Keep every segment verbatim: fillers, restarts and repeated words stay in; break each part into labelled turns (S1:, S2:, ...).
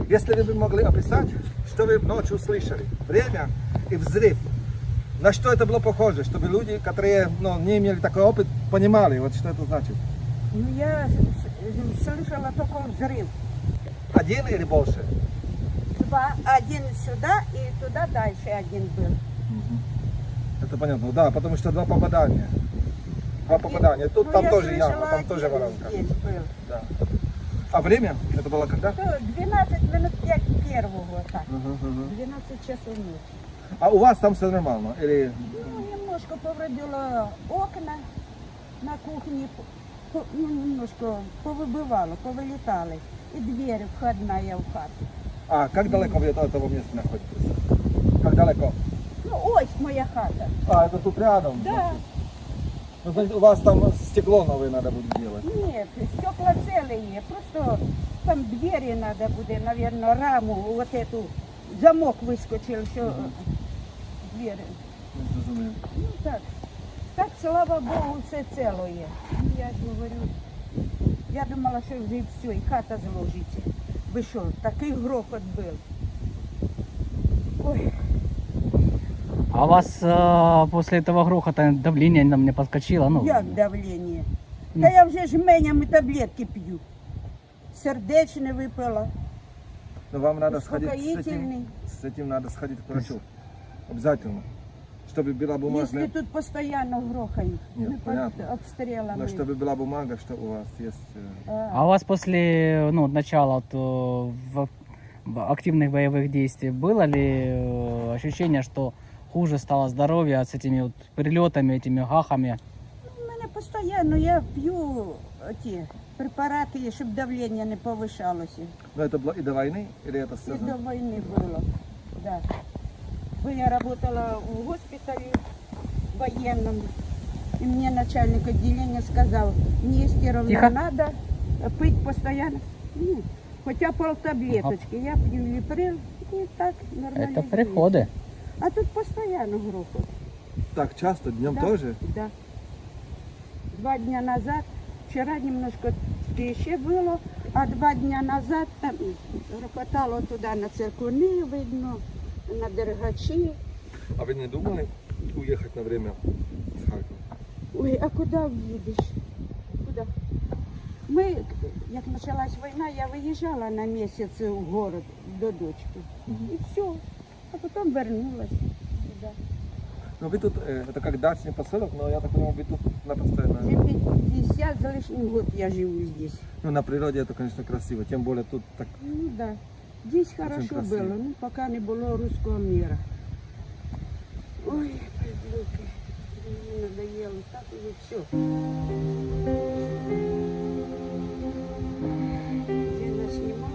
S1: Если вы бы могли описать, что вы ночью слышали, время и взрыв, на что это было похоже, чтобы люди, которые ну, не имели такой опыт, понимали, вот что это значит.
S2: Ну, я с- с- слышала только взрыв.
S1: Один или больше?
S2: Два, один сюда и туда дальше один был.
S1: Это понятно, да, потому что два попадания. Два попадания. Тут
S2: Ну,
S1: там
S2: я
S1: тоже яма,
S2: слышала,
S1: там тоже
S2: один
S1: воронка.
S2: здесь был.
S1: Да. А время? Это было когда?
S2: То двенадцать минут пять первого, так.
S1: Мгм, мгм.
S2: двенадцать часов ночи.
S1: А у вас там все нормально? Или...
S2: Ну, немножко повредило окна на кухне, по- ну, немножко повыбивало, повылетали. И дверь входная в хату.
S1: А как далеко вы от этого места находитесь? Как далеко?
S2: Ну, ось моя хата.
S1: А, это тут рядом?
S2: Да.
S1: Ну, значит, у вас там стекло новое надо будет делать.
S2: Нет, стекла целые. Просто там двери надо будет, наверное, раму, вот эту, замок выскочил, что двери.
S1: Не зрозумів.
S2: Ну так. Так, слава Богу, все целое. Ну, я говорю, я думала, що вже все, і хата зложиться. Ви що, такий грохот був. Ой,
S3: А у вас э, после этого грохота давление нам не подскочило? Ну,
S2: як давлення. Та я вже жменями таблетки п'ю. Сердечне випила.
S1: Но вам надо сходить с этим,
S2: Успокоительный.
S1: с этим надо сходить к врачу. Обязательно. Чтобы была бумага.
S2: Якщо тут постійно грохають,
S1: Ні,
S2: ми під
S1: понятно.
S2: обстрілами.
S1: Но чтобы была бумага, что у вас есть. э,
S3: А у вас после ну, начала вот, э, в, в активных боевых действий было ли э, ощущение, что хуже стало здоровье с этими вот прилетами, этими гахами?
S2: У мене постійно, я п'ю ті препарати, щоб давлення не повишалося.
S1: Но это было и до войны, или это
S2: І до
S1: связано?
S2: війни було. Да. Бо я працювала в госпіталі воєнному, і мені начальник відділення сказав, Нестеровна,
S3: Тихо.
S2: треба пити постійно. Ну, хоча полтаблеточки. Я п'ю ліприл і так нормально.
S3: Это приходы.
S2: А тут постійно грохот.
S1: Так часто, днем
S2: Да,
S1: тоже?
S2: Да. Два дня назад, вчера немножко тише было, а два дня назад там рокотало туда на циркуни, видно, на Дергачі.
S1: А вы не думали уехать на время с Харькова?
S2: Ой, а куди в'їдеш? Куди? Ми, як почалась війна, я виїжджала на місяць в город до дочки. І все. А потім вернулась сюди.
S1: Ну вы тут, э, это как дачный поселок, но я так понимаю, вы тут на постоянно.
S2: Вже п'ятдесят з лишнім год я живу здесь.
S1: Ну на природе это, конечно, красиво, тем более тут так.
S2: Ну да. Здесь хорошо
S1: красиво.
S2: было, ну пока не было русского мира. Ой, придурки, мне надоело, так уже все. Где нас снимали?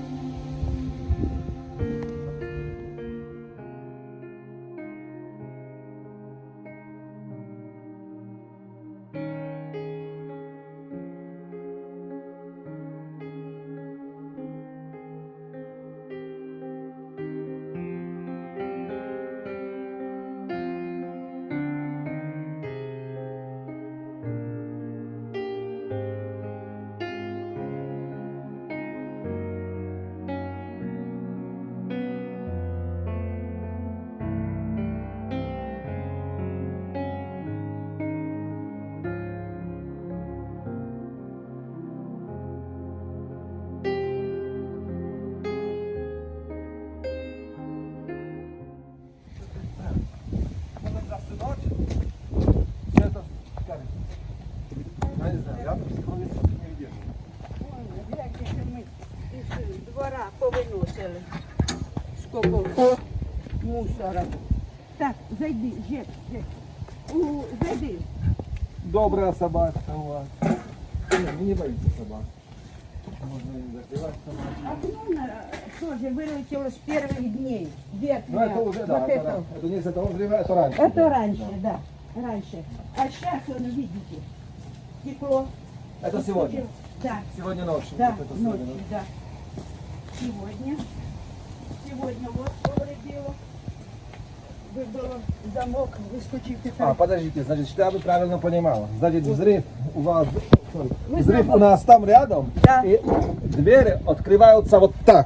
S1: Все это, как? Я не знаю, я тут психологически не выдерживаю.
S2: Ой, гляньте, що ми із двора повиносили. Сколько мусора. Так, зайди, Жек, Жек. У, зайди.
S1: Добрая собачка у вас. Не, мы не боимся собак. Можно и закрывать собак.
S2: Окно на- тоже вылетело с первых дней.
S1: Ну
S2: Верхняя.
S1: это уже, да,
S2: вот
S1: это,
S2: это.
S1: это не с этого времени, это раньше.
S2: Это
S1: было.
S2: раньше, да. Раньше. А сейчас, он, видите, стекло.
S1: Это сегодня.
S2: Да,
S1: Сегодня ночью.
S2: да,
S1: вот это сегодня,
S2: ночью, да. Сегодня. Сегодня вот повредило. Выбило замок, выскочив.
S1: А, подождите, значит, что я бы правильно понимал. Значит, взрыв у вас, sorry,
S2: Вы
S1: взрыв
S2: забыл.
S1: у нас там рядом,
S2: Да.
S1: и двери открываются вот так.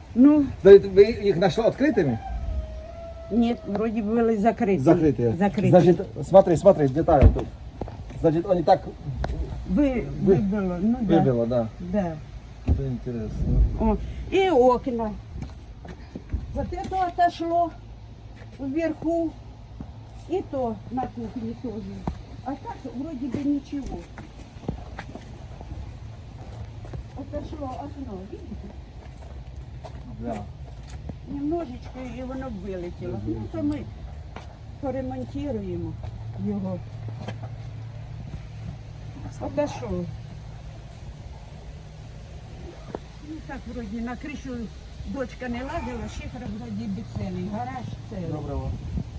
S2: Ну,
S1: Да, вы их нашли открытыми?
S2: нет, вроде были закрыты.
S1: Закрытые.
S2: Закрыты.
S1: Значит, смотри, смотри, детали тут. Значит, они так
S2: Вы,
S1: вы-
S2: выбило, ну да.
S1: выбило, да.
S2: Да.
S1: Это интересно.
S2: О, и окна. Вот это отошло вверху, и то на кухне тоже. А так вроде бы ничего. Отошло окно, видите?
S1: Да.
S2: Немножечко і воно б вилетіло. Ну, то ми поремонтуємо його. Отошов. Ну так вроді на кришу дочка не лазила, шифер вроді би цілий, гараж цілий.
S1: Доброго.